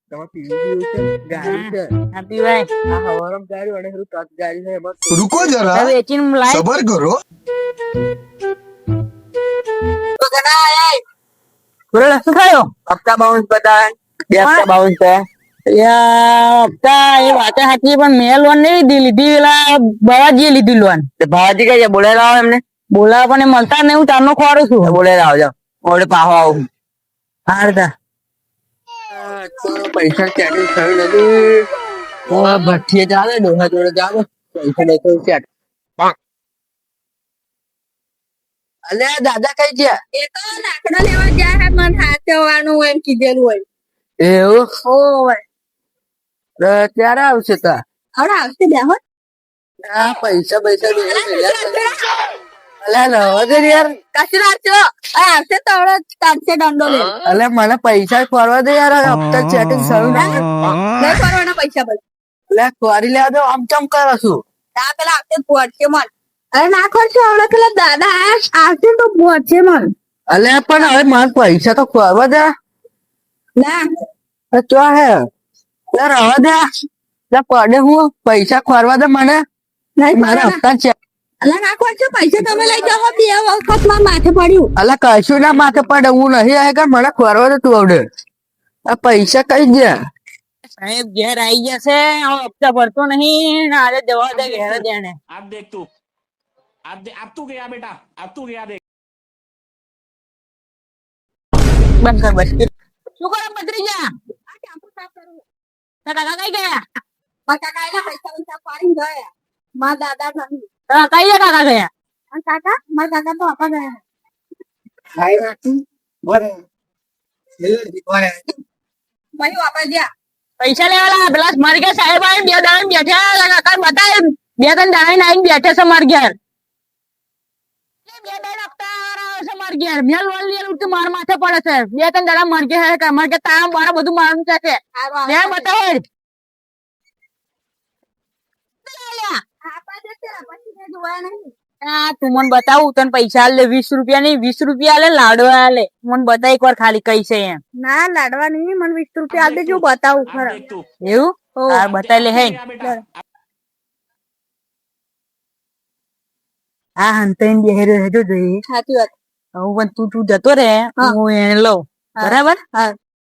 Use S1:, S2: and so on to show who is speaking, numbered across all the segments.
S1: તમારે પીવું પીવું છે ગાડી છે
S2: હા પીવાય.
S1: આ હવારમ ગાડી અને પેલું ટચ ગાડી છે એમાં
S3: रुको जरा
S2: હવે વેચીને લાય.
S3: सबर करो
S2: બોલો શું થયો?
S1: હપ્તા બાઉન્સ બતાવે 2 હપ્તા બાઉન્સ છે
S2: હપ્તા એ વાત સાચી પણ મેં લોન નહીં લીધી પેલા બાવાજીએ લીધી લોન.
S1: તે ભાવાજી કઈ છે બોલાવી લાવો એમને
S2: બોલાવા પણ એ મળતા નહીં, હું તારનો ખોરું છું.
S1: બોલાવી લાવો જાઓ ઓડે પાહો આવું
S2: હાર તા.
S1: તો પૈસા સેટિંગ થયું નથી ભઠ્ઠીએ ચાલે ડોહા જોડે જાવ પૈસા દેખો સેટ અલ્યા દાદા કઈ ગયા
S4: એ તો લાકડા લેવા ગયા હે મન હાચવવાનું એમ કીધેલું હોય.
S1: એવું
S4: ઓય
S1: તો ક્યારે આવશે તા
S4: હવે આવશે બેહો.
S1: આ પૈસા પૈસા અલ્યા રવા દે યાર
S4: કશું રાખજો આવશે તો હવે તારશે દંડો લે.
S1: અલ્યા મને પૈસા ખોરવા દે યાર હપ્તા સેટિંગ થયું નથી
S4: નહીં કરવાના પૈસા બસ.
S1: અલ્યા ખોરી લેવા દો આમ ચમ કરો છું
S4: આ પેલા આવશે પહોંચશે મન. અરે ના ખોરશે હવે પેલા દાદા આવશે તો પહોંચશે મન.
S1: અલ્યા પણ હવે મારા પૈસા તો ખોરવા દે
S4: ના
S1: ચો હે રવા દે પડે હું પૈસા ખોરવા દે મને
S4: નહીં
S1: મારા
S4: કરવાના.
S1: હપ્તા છે
S4: અલા ના ખોરશે પૈસા તમે લઈ જાઓ 2 વખત માં માથે પડ્યું.
S1: અલ્યા કશું ના માથે પડે હું નહીં આવે કે મને ખોરવા દે તું આવડે આ પૈસા કઈ ગયા
S2: સાહેબ ઘેર આવી જશે, હવે હપ્તા ભરતો નહીં ને આજે જવા દે ઘેર જ એને.
S5: अब देख तू अब तू गया बेटा अब तू गया देख
S2: બંધ કર બસ. શું કરો ભત્રીજા?
S4: આ ટાંકું સાફ કરું.
S2: તારા કાકા કઈ ગયા?
S4: મારા કાકા એના પૈસા પૈસા પાડીને ગયા. મારા દાદા નહીં.
S2: તારા કઈ કાકા ગયા?
S4: અને કાકા મારા કાકા તો આપા ગયા. ભાઈ આપા ગયા.
S2: પૈસા લેવા લાયા. પેલા મારી ઘેર સાહેબ આવીને 2 દાડા બેઠા, કાકા બતાવે 2-3 દાડા આવીને બેઠા છે મારી ઘેર. 2 દાડા હપ્તા આવે છે મારી ઘેર. મેં લોન લીધેલું તો મારા માથે પડે છે. 2-3 દાડા મારી ઘેર મારી ઘેર તારા મારા બધું મારું છે કે
S4: હારું
S2: લે
S4: આપા
S2: બતાવે.
S4: આપા જશે પછી કઈ જોવાય નહીં.
S2: આ તું મને બતાવું તને પૈસા આલે 20 રૂપિયા નહીં 20 રૂપિયા આલે લાડવા આલે. મને બતા એક વાર ખાલી કઈ છે એમ.
S4: ના લાડવા નહીં મને 20 રૂપિયા આલ દેજો બતાવું
S5: अब
S4: ખરા.
S5: देख तू
S2: એવું તાર બતાવી લે હે.
S5: गया बेटा
S2: આ હંતાઈને બેહેરો હેજો જોઈએ.
S4: સાચી વાત.
S2: હું પણ તું જતો રે
S4: હા.
S2: હું એને લઉં
S4: હા.
S2: બરાબર.
S4: હા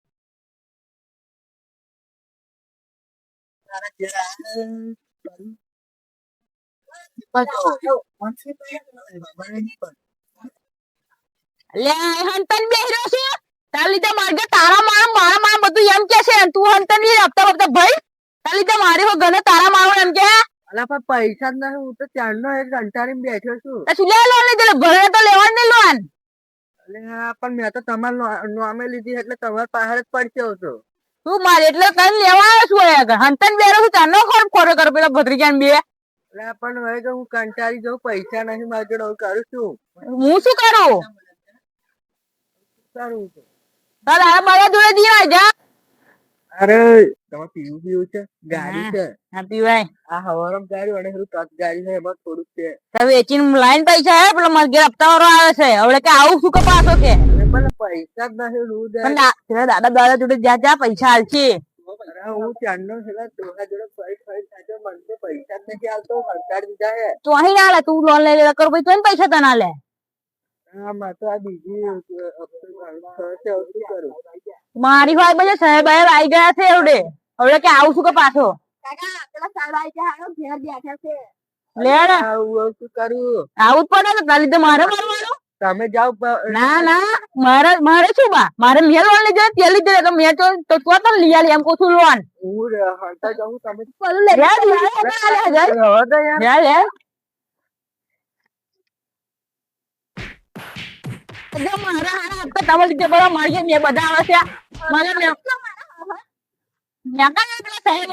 S2: અલ્યા હંતાઈને બેહેરો છે તાર લીધે મારે ઘેર તારા મારા બધું એમ કે છે તું હંતાઈને હપ્તા હપ્તા ભાઈ તાર લીધે મારી હો ગને તારા મારો એમ કે
S1: અલ્યા પણ પૈસા જ નહીં હું તો ચારનો એક કંટાળીને બેઠો છું
S2: શું લે લોન લીધેલું ભરે તો લેવાનું નહીં લોન.
S1: અલ્યા પણ મેં તો તમારા નામે લીધી એટલે તમારા પાસે જ પડશે હતો
S2: તું મારે એટલે કઈ લેવા આવ્યો છું અહીંયા હંતાઈને બેહેરો છું તારનો ખોરો કરો પેલા ભત્રીજાને બે.
S1: અલ્યા પણ હવે તો હું કંટાળી જાઉં પૈસા નહીં મારી જોડે હું કરું છું
S2: હું શું કરું
S1: કરું છું
S2: તાર આ મારા જોડે દીવા જા.
S1: અરે તમારે પીવું પીવું છે ગાડી છે
S2: હા પીવાય.
S1: આ હવારમ ગાડી અને પેલું ટચ ગાડી છે એમાં થોડુંક છે
S2: તમે વેચીને લાઈન પૈસા હે પેલો મારા ઘેર હપ્તા વાળો આવે છે હવે કે આવું શું કે પાછો કે
S1: અને મને પૈસા જ નહીં હું દે
S2: પણ પેલા દાદા જોડે જા પૈસા હાલશે.
S1: અરે હું ચાંદનો પેલા ડોહા જોડે ફરી થાય મને તો પૈસા જ નથી આવતો કંટાળી દીધા હે
S2: તું અહીં ના લે તું લોન લઈ લે કર ભાઈ તો એને પૈસા તને લે.
S1: હા માં તો આ બીજી થશે હવે શું કરું
S2: મારી વાત બજે સાહેબ આવી ગયા છે એવડે હવે કે આવું શું કે પાછો
S4: કાકા પેલા સાહેબ આવી ગયા હારો ઘેર બેઠા છે.
S2: લે ને
S1: આવું શું કરું
S2: આવું જ પડે ને તાર લીધે મારે મારવાનું.
S1: તમે જાઓ
S2: ના મારે શું બા મારે મેં લોન લીધે તે લીધે તો મેં તો તને લઈ આલી એમ કહું છું લોન.
S1: હું હળતા જાઉં તમે
S4: પેલું લે.
S2: લે
S1: રવા દે યાર
S2: લે મારા હારા હપ્તા તમારા લીધે બરાબર મારી ઘેર બે બધા આવે છે મને મેં પેલા સાહેબ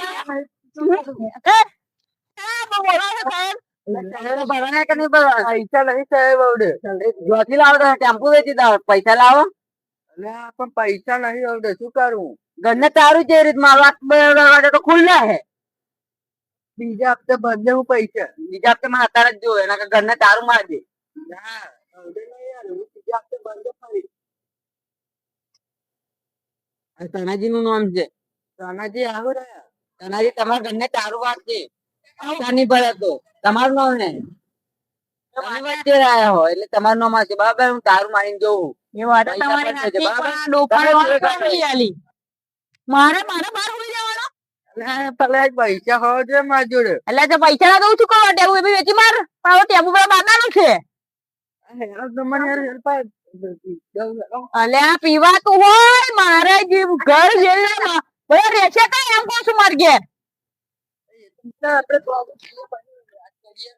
S1: ભરવાના કે નહીં ભરવાના પૈસા નહીં સાહેબ આવડે જ્યોતિ લાવો ટેમ્પો વેચી દો પૈસા લાવો અલ્યા પણ પૈસા નહીં આવડે શું કરું
S2: ઘરને તારું જે રીત મારવા તો ખુલ્લે હે.
S1: બીજા હપ્તે ભરજે હું પૈસા
S2: બીજા હપ્તે માં અત્યારે જ જો એના ઘરને તારું મારજે.
S1: ના આવડે નહીં યાર હું બીજા હપ્તે ભરજે ફરી
S2: તાનાજી નું નામ છે
S1: તાનાજી આવું રે તાનાજી તમારા ઘરને તારું વાત છે તાની ભરે તો તમારું નામ ને તમે વચ્ચે રહ્યા હો એટલે તમારું નામ હશે બરાબર હું તારું માનીને જોઉં
S2: એ વાત તો
S1: પૈસા
S2: તમારી
S1: પણ છે,
S2: સાચી,
S1: બરાબર?
S2: પણ આ ડોફાની વાત
S1: બરાબર.
S2: કોણ નહીં આલી? મારે બહાર હોઈ જવાનો
S1: એટલે પેલા એક પૈસા હોવા જોઈએ મારી જોડે
S2: એટલે તો પૈસા ના દઉં છું કરવા ટેબુ એ બી વેચી માર પણ હવે ટેબુ પર બાંધવાનું છે
S1: તમારે યાર help આય.
S2: અલ્યા પીવાતું હોય મારે જે ઘર જેલના બધા રહેશે કઈ એમ કહું છું માર ઘેર
S1: આપણે problem વાત કરીએ.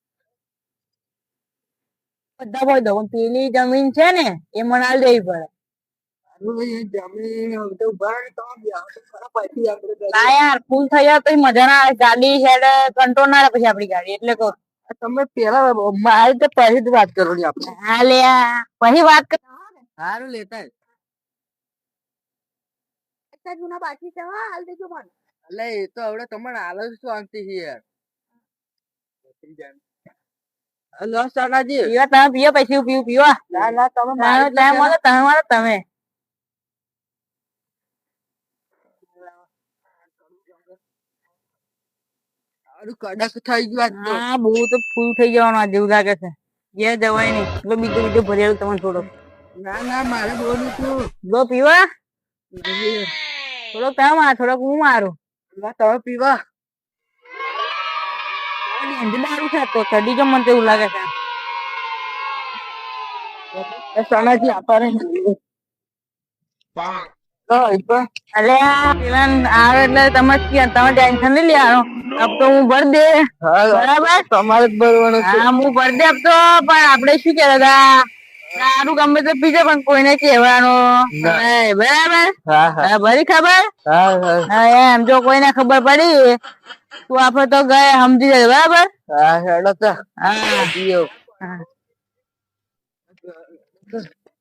S2: બધા ભાઈ દઉં પેલી જમીન છે ને એ મને આલી દેવી પડે
S1: હવે એ જમીન હવે તો ઉભા રહે તો બી આવે તો ખરા પછી આપણે કરીએ.
S2: ના યાર ફૂલ થઈ જાય તો મજા ના આવે ગાડી હેડ કંટ્રોલ ના રહે પછી આપડી ગાડી એટલે કહું
S1: તમે પેલા મારી તો પહેલી જ વાત કરો ને આપણે
S2: હા લ્યા પછી વાત કર
S1: સારું લેતા
S4: પૈસા જૂના બાકી છે હા હાલ દેજો મને
S1: એટલે એ તો હવે તમારે હાલ જ શાંતિ છે યાર હલો સાનાજી
S2: પીવા તમે પીવો પછી પીવું પીવા
S1: ના ના તમે
S2: તમે
S1: મારી જ
S2: તમે મળો તમે મળો તમે
S1: સારું કડક થઈ ગયું આજ તો.
S2: હા બહુ તો ફૂલ થઈ જવાનું આ જેવું લાગે છે ઘેર જવાય નહીં એટલે બીજું બીજું ભરેલું તમને થોડો
S1: ના ના મારે બોલું છું
S2: જો પીવા
S1: નહીં.
S2: થોડોક તમે માર થોડોક હું મારું
S1: ના તમે પીવા
S2: દારૂ છે તો ચડી જો મને તો એવું લાગે છે
S1: એ સનાજી આપણે
S2: અલે આ પેલા આવે એટલે તમે તમે ટેન્શન નહીં લેવાનો અબ તો હું ભર દે બરાબર
S1: તમારે જ ભરવાનું છે
S2: હા હું ભર દે અબ તો પણ આપણે શું કહેતા હતા દારૂ ગમે તો પીજે પણ કોઈને કહેવાનું નહીં બરાબર
S1: હા હા
S2: હા ભરી ખબર
S1: હા હા
S2: હા એમ જો કોઈને ખબર પડી તો આપડે તો ગયા સમજી જાય બરાબર
S1: હા હેડો તો
S2: હા
S1: પીઓ
S2: હા